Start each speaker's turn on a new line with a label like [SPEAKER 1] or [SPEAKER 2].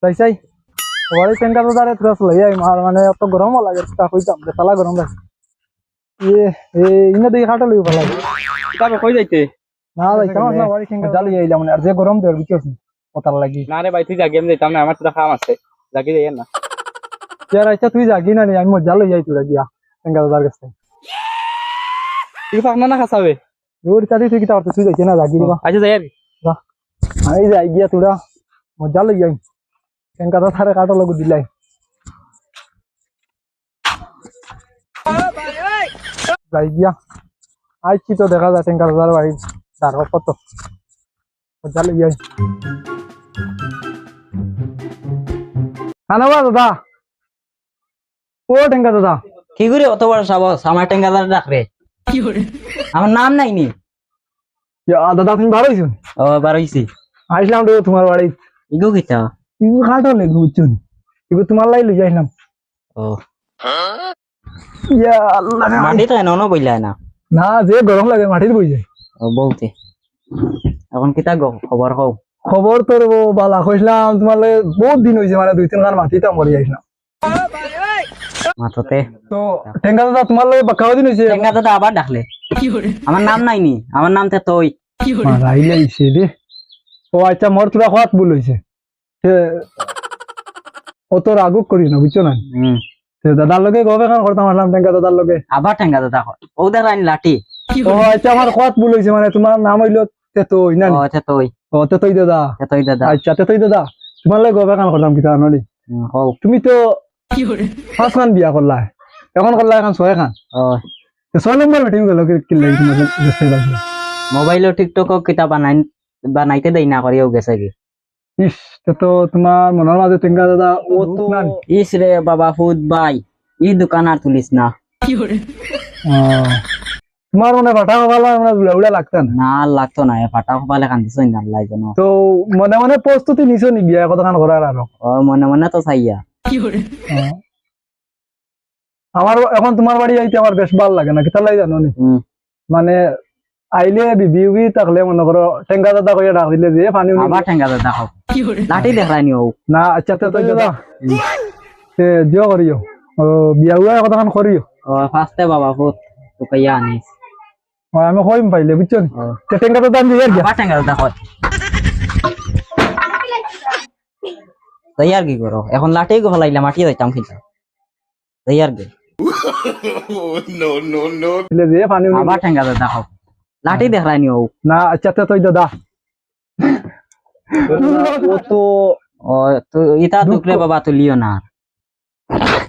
[SPEAKER 1] তাই চাই ওয়ারি টেঙ্কা তো দাঁড়ে তুই আসলে এই মানে অত গরমও লাগে তা কইতাম বেতালা গরম লাগে ইনে দিকে খাটো লই ভালো লাগে
[SPEAKER 2] তবে কই যাইতে
[SPEAKER 1] না ভাই কেমন না ওয়ারি টেঙ্কা জালি আইলাম আর যে গরম দেয় বুঝছিস ওতার লাগি
[SPEAKER 2] না রে ভাই তুই যা গেম যাইতাম না আমার তো কাম আছে জাগি যাই না
[SPEAKER 1] यार আচ্ছা তুই যাগি না নি আমি মজা লই যাই তুই গিয়া টেঙ্কা দাদার কাছে
[SPEAKER 2] তুই ফাকনা না খাসাবে
[SPEAKER 1] দূর চাদি তুই কিটা তুই যাইতে না যাগি দিবা
[SPEAKER 2] আচ্ছা যাই আর
[SPEAKER 1] যা আমি যাই গিয়া তোরা মজা লই যাই টেঙ্কা তো থারে কাটো লগু দিলাই যাই গিয়া আইছি তো দেখা যায় টেঙ্কা দাদার বাড়ি তার কত মজা লই যাই আনাবা দাদা ও টেঙ্কা দাদা
[SPEAKER 3] কি করে অত বড় সাহস আমার টেঙ্গাদার ডাক রে আমার নাম নাই নি
[SPEAKER 1] দাদা তুমি ভালো হইছো
[SPEAKER 3] ও বার হইছি
[SPEAKER 1] আইসলাম তো তোমার বাড়ি
[SPEAKER 3] ইগো কিতা
[SPEAKER 1] তুমি কাটো লেগে বুঝছো এবার তোমার লাই লই যাইলাম
[SPEAKER 3] ও
[SPEAKER 1] ইয়া আল্লাহ
[SPEAKER 3] মাটি তো এনো বইলা না
[SPEAKER 1] না যে গরম লাগে মাটির বই যায়
[SPEAKER 3] ও বলতে এখন কিতা খবর হও
[SPEAKER 1] খবর তোর বালা কইলাম তোমার বহুত দিন হইছে মানে 2-3 গান মাটিটা মরি আইছিলাম
[SPEAKER 3] মাথতে
[SPEAKER 1] তো টেঙ্গা দাদা তোমার লাগে বাক্কা দিন হইছে
[SPEAKER 3] টেঙ্গা দাদা আবার ডাকলে আমার নাম নাই নি আমার নাম তে তুই
[SPEAKER 1] মারাইলে আইছে রে ও আচ্ছা মোর তোরা হাত ভুল হইছে ও তোর আগুক করি না বুঝছো না দাদার লগে গবে কান করতাম আসলাম টেঙ্গা দাদার লগে
[SPEAKER 3] আবার টেঙ্গা দাদা ও দেখাইন লাঠি
[SPEAKER 1] ও আচ্ছা আমার হাত ভুল হইছে মানে তোমার নাম হইলো তেতই না
[SPEAKER 3] ও তে তুই
[SPEAKER 1] ও তেতই দাদা
[SPEAKER 3] তুই দাদা
[SPEAKER 1] আচ্ছা তেতই দাদা তোমার লগে গবে কান করতাম কিতা নলি
[SPEAKER 3] হও
[SPEAKER 1] তুমি তো 5 খান বিয়া করলা এখন করলা এখন 6 খান
[SPEAKER 3] ও
[SPEAKER 1] 6 নম্বর মিটিং গেল কি লাগি তোমার দেশে বাকি
[SPEAKER 3] মোবাইল টিকটক কিতা বানাইতে দেই না করিও গেছে কি
[SPEAKER 1] ইস তো তোমার মনের মাঝে টেঙ্গা দাদা ও তো
[SPEAKER 3] ইস রে বাবা ফুদ ভাই ই দোকান আর তুলিস না
[SPEAKER 1] তোমার মনে ফাটা ভালো মানে উড়া লাগতো না
[SPEAKER 3] না লাগতো না ফাটা কপালে কান্দিস না লাগতো না
[SPEAKER 1] তো মনে মনে প্রস্তুতি নিছো নি বিয়া কথা কান করার আর
[SPEAKER 3] ও মনে মনে তো চাইয়া
[SPEAKER 1] আমার এখন তোমার বাড়ি আইতে আমার বেশ ভালো লাগে না কিতা লাগে জানো নি মানে আইলে বিবি থাকলে মনে করো টেঙ্গা দাদা কইয়া ডাক দিলে যে পানি
[SPEAKER 3] আবার টেঙ্গা দাদা খাও লাঠি দেখায়নি ও
[SPEAKER 1] না আচ্ছা তো দাদা জিও করিও ও বিয়া উয়া কথা কান করিও
[SPEAKER 3] ও ফাস্টে বাবা ফুট তো কইয়া আনিস
[SPEAKER 1] আমি কইম পাইলে বুঝছো তে টেঙ্গা দাদা আমি ইয়ার গিয়া
[SPEAKER 3] আবার টেঙ্গা দাদা খাও তৈয়ার কি করো এখন লাঠি গো ফলাইলা মাটি যাইতাম কিন্তু তৈয়ার গে
[SPEAKER 1] দিলে যে পানি
[SPEAKER 3] আবার টেঙ্গা দাদা খাও লাঠি দেখায়নি ও
[SPEAKER 1] না আচ্ছা তো দাদা
[SPEAKER 3] ও তো ও তো ইতা দুকরে বাবা তুলিও না